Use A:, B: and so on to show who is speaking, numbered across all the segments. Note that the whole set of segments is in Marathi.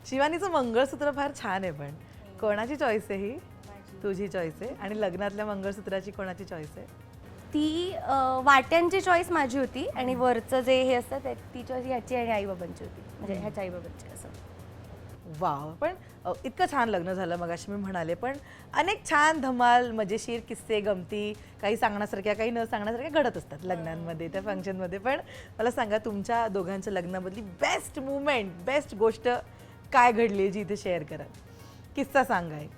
A: शिवानीचं मंगळसूत्र फार छान आहे, पण कोणाची चॉईस आहे ही? तुझी चॉईस आहे. आणि लग्नातल्या मंगळसूत्राची कोणाची चॉईस आहे?
B: ती वाट्यांची चॉईस माझी होती आणि वरचं जे हे असतं ती चॉईस ह्याची आणि आईबाबांची होती, म्हणजे ह्याच्या आईबाबांची असं.
A: वाव. पण इतकं छान लग्न झालं मगाशी मी म्हणाले, पण अनेक छान धमाल मजेशीर किस्से गमती काही सांगण्यासारख्या काही न सांगण्यासारख्या घडत असतात लग्नांमध्ये, त्या फंक्शनमध्ये. पण मला सांगा तुमच्या दोघांच्या लग्नामधली बेस्ट मुवमेंट, बेस्ट गोष्ट काय घडली जी इथे शेअर करा. किस्सा सांगा एक.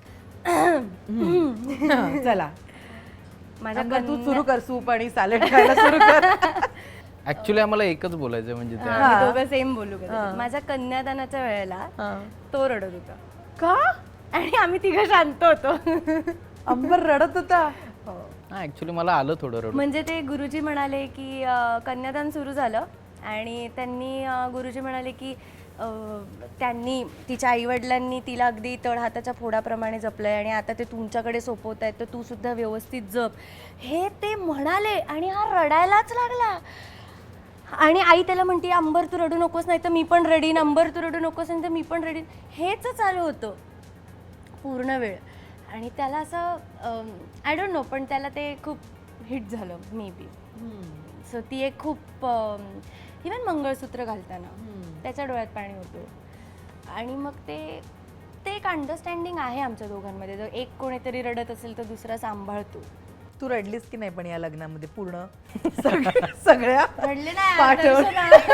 A: चला
B: माझ्या
A: तू सुरू कर, सूप आणि सॅलड खायला सुरू कर.
C: ऍक्च्युली आम्हाला एकच बोलायचं म्हणजे ते
B: आम्ही दोघं सेम बोलू कदाचित. माझ्या कन्यादानाच्या वेळेला तो रडत होता
A: का?
B: आणि आम्ही तिघं शांत होतो.
A: अंबर रडत होता.
C: हा ऍक्च्युली मला आलं थोडं रडू.
B: म्हणजे ते गुरुजी म्हणाले की कन्यादान सुरू झालं आणि त्यांनी गुरुजी म्हणाले की त्यांनी तिच्या आईवडिलांनी तिला अगदी तळहाताच्या फोडाप्रमाणे जपलंय आणि आता ते तुमच्याकडे सोपवत आहेत, तर तू सुद्धा व्यवस्थित जप, हे ते म्हणाले. आणि हा रडायलाच लागला. आणि आई त्याला म्हणते अंबर तू रडू नकोस, नाही तर मी पण रडीन, अंबर तू रडू नकोस नाही तर मी पण रडीन. हेच चालू होतं पूर्ण वेळ. आणि त्याला असं आय डोंट नो, पण त्याला ते खूप हिट झालं मे बी. सो ती एक खूप इवन मंगळसूत्र घालताना त्याच्या डोळ्यात पाणी होतं. आणि मग ते एक अंडरस्टँडिंग आहे आमच्या दोघांमध्ये. जर एक कोणीतरी रडत असेल तर दुसरा सांभाळतो.
A: तू रडलीस की नाही पण या लग्नामध्ये पूर्ण सगळ्या
B: रडले नाही
A: पाठवून.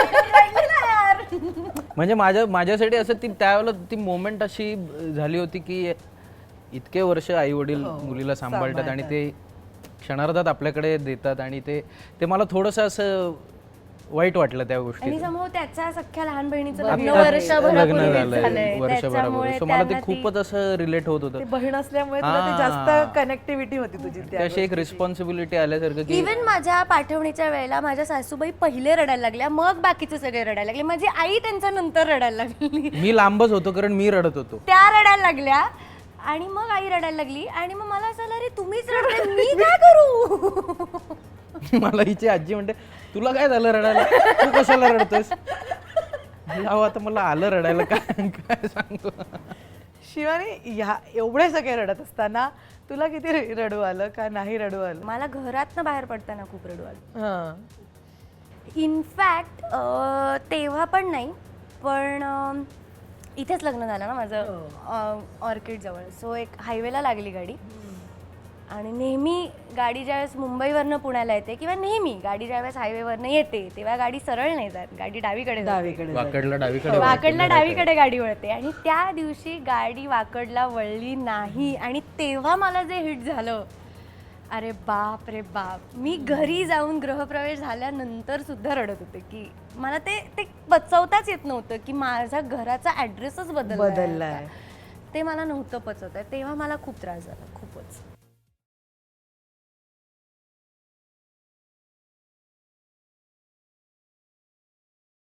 C: म्हणजे माझ्यासाठी असं ती त्यावेळेला ती मोमेंट अशी झाली होती की इतके वर्ष आई वडील मुलीला सांभाळतात आणि ते क्षणार्धात आपल्याकडे देतात आणि ते मला थोडंसं असं वाईट वाटलं त्या गोष्टी.
B: आणि समोर त्याच्या सख्ख्या लहान बहिणीचं
C: आता
B: लग्न
C: लग्न
B: वर्षभरापूर्वीच
C: झालंय
B: झालंय.
C: वर्षभरापूर्वी. सो मला ते खूपच असं रिलेट होत होतं.
A: ती बहीण असल्यामुळे तुला ते जास्त कनेक्टिव्हिटी होती तुझी त्या
C: अशी एक रिस्पॉन्सिबिलिटी आल्यासारखं की
B: इव्हन माझ्या पाठवणीच्या वेळेला माझ्या सासूबाई पहिले रडायला लागल्या, मग बाकीचे सगळे रडायला लागले. माझी आई त्यांच्या नंतर रडायला लागली.
C: मी लांबच होतो कारण मी रडत होतो.
B: त्या रडायला लागल्या आणि मग आई रडायला लागली. आणि मग मला असं अरे तुम्हीच रडते, मी काय करू?
C: मला हिची आजी म्हणते तुला काय झालं रडायला, तू कशाला रडतोस? अहो आता मला आलं रडायला, काय सांगू.
A: शिवानी ह्या एवढे सगळे रडत असताना तुला किती रडू आलं का नाही रडू आलं?
B: मला घरातनं बाहेर पडताना खूप रडू आलं.
A: हां.
B: इनफॅक्ट तेव्हा पण नाही, पण इथेच लग्न झालं ना माझं ऑर्किड जवळ. सो एक हायवेला लागली गाडी आणि नेहमी गाडी ज्यावेळेस मुंबईवरनं पुण्याला येते किंवा नेहमी गाडी ज्यावेळेस हायवेवरनं येते तेव्हा गाडी सरळ नाही जात, गाडी डावीकडे जाते.
C: वाकडला डावीकडे
B: वाकडला डावीकडे गाडी वळते. आणि त्या दिवशी गाडी वाकडला वळली नाही आणि तेव्हा मला जे हिट झालं, अरे बाप रे बाप. मी घरी जाऊन गृहप्रवेश झाल्यानंतर सुद्धा रडत होते की मला ते पचवताच येत नव्हतं की माझा घराचा ॲड्रेसच बदललाय. ते मला नव्हतं पचवत आहे. तेव्हा मला खूप त्रास झाला, खूपच.